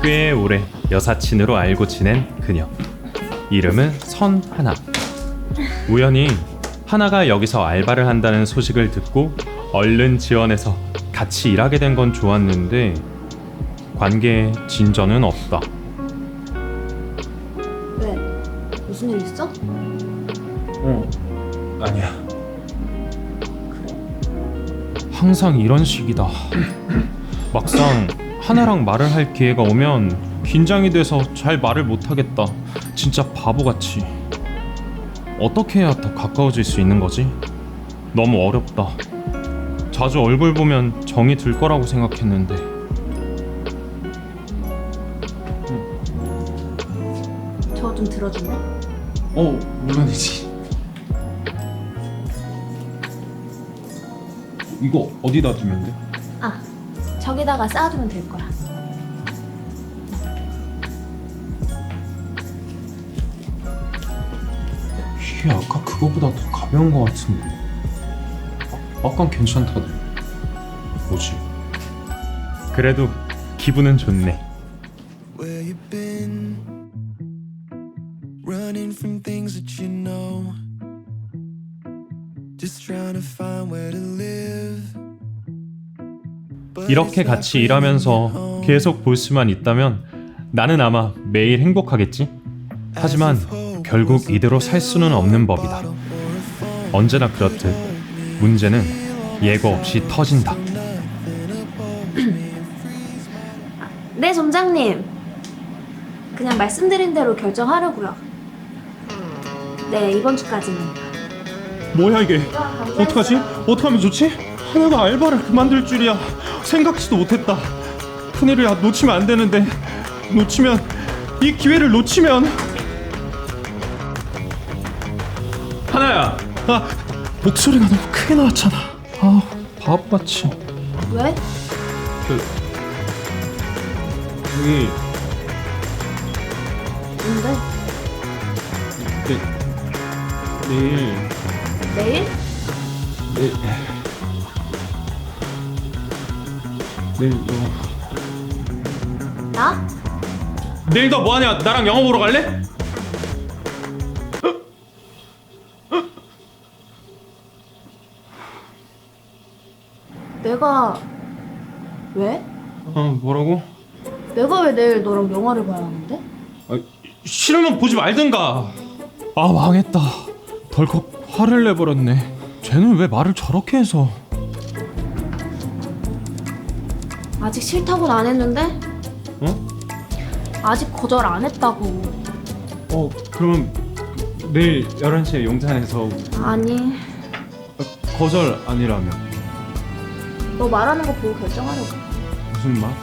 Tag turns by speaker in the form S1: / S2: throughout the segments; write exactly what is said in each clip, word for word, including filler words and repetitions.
S1: 꽤 오래 여사친으로 알고 지낸 그녀. 이름은 선하나. 우연히 하나가 여기서 알바를 한다는 소식을 듣고 얼른 지원해서 같이 일하게 된 건 좋았는데 관계에 진전은 없다.
S2: 왜? 무슨 일 있어?
S1: 어, 아니야. 항상 이런 식이다. 막상 하나랑 말을 할 기회가 오면 긴장이 돼서 잘 말을 못하겠다. 진짜 바보같이. 어떻게 해야 더 가까워질 수 있는 거지? 너무 어렵다. 자주 얼굴 보면 정이 들 거라고 생각했는데.
S2: 저 좀 들어줄래?
S1: 어, 물론이지. 이거 어디다 두면 돼?
S2: 아, 저기다가 쌓아두면 될 거야.
S1: 이게 아까 그거보다 더 가벼운 거 같은데. 아, 아깐 괜찮다네. 뭐지? 그래도 기분은 좋네.
S3: Where you been? Running from things that you know. Just trying to find where to live. But
S1: 이렇게
S3: it's
S1: 같이
S3: like
S1: 일하면서
S3: bringing you home.
S1: 계속 볼 수만 있다면 나는 아마 매일 행복하겠지? 하지만 결국 이대로 살 수는 없는 법이다. 언제나 그렇듯 문제는 예고 없이 터진다.
S2: 네, 점장님. 그냥 말씀드린 대로 결정하려고요. 네, 이번 주까지는.
S1: 뭐야 이게? 어떡하지? 어떡하면 좋지? 하나가 알바를 그만둘 줄이야. 생각지도 못했다. 큰일이야. 놓치면 안 되는데. 놓치면 이 기회를 놓치면 하나야. 아, 목소리가 너무 크게 나왔잖아. 아, 바보같이.
S2: 왜?
S1: 그 여기
S2: 뭔데?
S1: 내, 내일
S2: 내일?
S1: 내, 내일 너
S2: 나?
S1: 내일 너 뭐하냐? 나랑 영화 보러 갈래?
S2: 내가 왜?
S1: 어, 뭐라고?
S2: 내가 왜 내일 너랑 영화를 봐야 하는데?
S1: 아, 싫으면 보지 말든가. 아, 망했다. 덜컥 화를 내버렸네. 쟤는 왜 말을 저렇게 해서?
S2: 아직 싫다고는 안 했는데?
S1: 어?
S2: 아직 거절 안 했다고.
S1: 어, 그럼 내일 열한 시에 용산에서
S2: 아니,
S1: 거절 아니라면
S2: 너 말하는 거 보고 결정하려고.
S1: 무슨 말?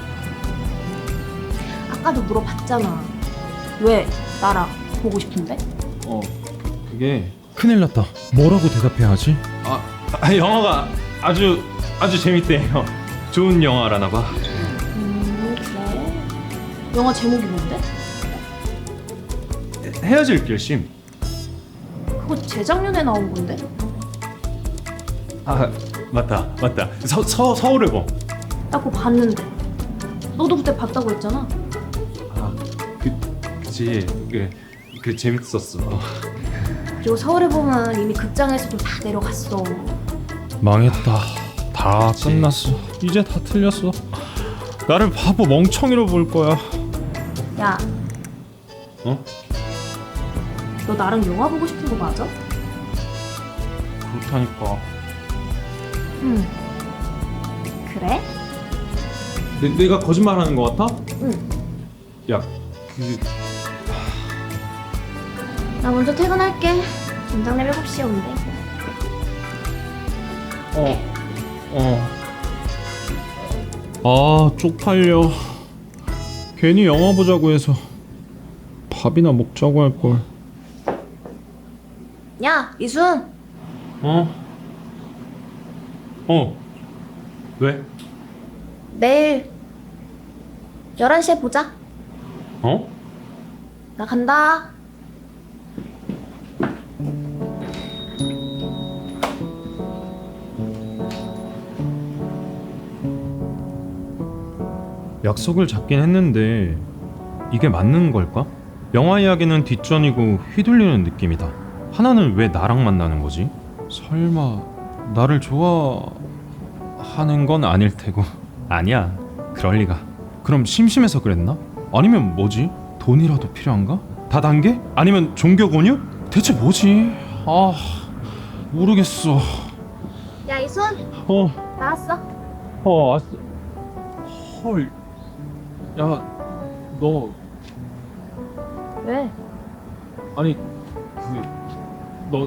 S2: 아까도 물어봤잖아. 왜 나랑 보고 싶은데?
S1: 어, 그게 큰일 났다. 뭐라고 대답해야 하지? 아, 아 영화가 아주 아주 재밌대요. 좋은 영화라나 봐.
S2: 음, 그래. 영화 제목이 뭔데?
S1: 헤어질 결심.
S2: 그거 재작년에 나온 건데?
S1: 아, 맞다, 맞다. 서, 서 서울의 봄.
S2: 나 그거 봤는데. 너도 그때 봤다고 했잖아.
S1: 아, 그, 그치. 그, 그 재밌었어.
S2: 그리고 서울에 보면 이미 극장에서도 다 내려갔어.
S1: 망했다. 다 끝났어. 이제 다 틀렸어. 나를 바보 멍청이로 볼 거야.
S2: 야,
S1: 어?
S2: 너 나랑 영화 보고 싶은 거 맞아?
S1: 그렇다니까.
S2: 응. 그래?
S1: 내, 내가 거짓말하는 거 같아?
S2: 응.
S1: 야, 그
S2: 나 먼저 퇴근할게. 점장님 일곱 시에 온대.
S1: 어, 어. 아, 쪽팔려. 괜히 영화 보자고 해서 밥이나 먹자고 할 걸.
S2: 야, 이순.
S1: 어? 어. 왜?
S2: 내일 열한 시에 보자.
S1: 어?
S2: 나 간다.
S1: 약속을 잡긴 했는데 이게 맞는 걸까? 영화 이야기는 뒷전이고 휘둘리는 느낌이다. 하나는 왜 나랑 만나는 거지? 설마 나를 좋아하는 건 아닐 테고. 아니야, 그럴 리가. 그럼 심심해서 그랬나? 아니면 뭐지? 돈이라도 필요한가? 다단계? 아니면 종교 권유? 대체 뭐지? 아, 모르겠어.
S2: 야, 이순
S1: 어,
S2: 나왔어.
S1: 어, 왔어. 헐, 야, 너
S2: 왜?
S1: 아니 그 너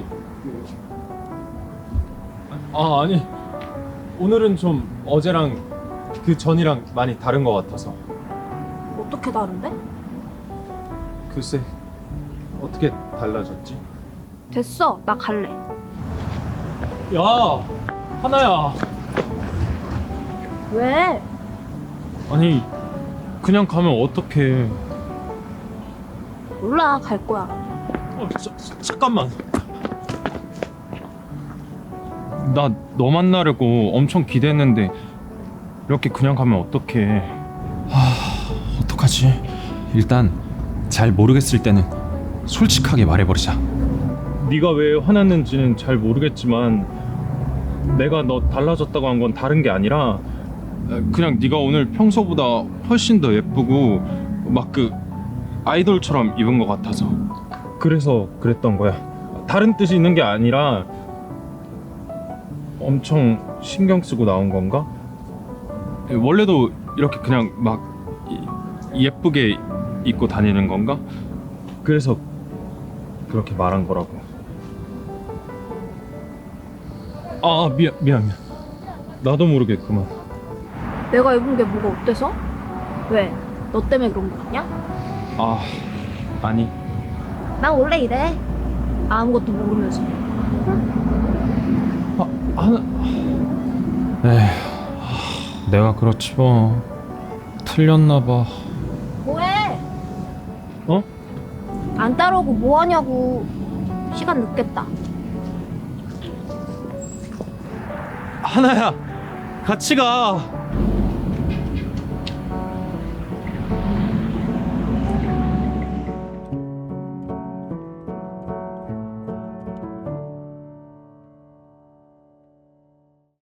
S1: 아, 아니 오늘은 좀 어제랑 그 전이랑 많이 다른 것 같아서.
S2: 어떻게 다른데?
S1: 글쎄, 어떻게 달라졌지?
S2: 됐어, 나 갈래.
S1: 야, 하나야.
S2: 왜?
S1: 아니 그냥 가면 어떡해.
S2: 몰라, 갈 거야.
S1: 어, 자, 자, 잠깐만. 나 너 만나려고 엄청 기대했는데 이렇게 그냥 가면 어떡해. 하, 어떡하지? 일단 잘 모르겠을 때는 솔직하게 말해버리자. 네가 왜 화났는지는 잘 모르겠지만 내가 너 달라졌다고 한 건 다른 게 아니라 그냥 네가 오늘 평소보다 훨씬 더 예쁘고 막 그 아이돌처럼 입은 것 같아서 그래서 그랬던 거야. 다른 뜻이 있는 게 아니라 엄청 신경 쓰고 나온 건가? 원래도 이렇게 그냥 막 예쁘게 입고 다니는 건가? 그래서 그렇게 말한 거라고. 아, 미안 미안 미안. 나도 모르게 그만.
S2: 내가 입은 게 뭐가 어때서? 왜? 너 때문에 그런 거 같냐?
S1: 아, 아니.
S2: 난 원래 이래. 아무것도 모르면서.
S1: 아, 하나. 에휴, 내가 그렇지 뭐. 틀렸나 봐.
S2: 뭐해?
S1: 어?
S2: 안 따라오고 뭐 하냐고. 시간 늦겠다.
S1: 하나야, 같이 가.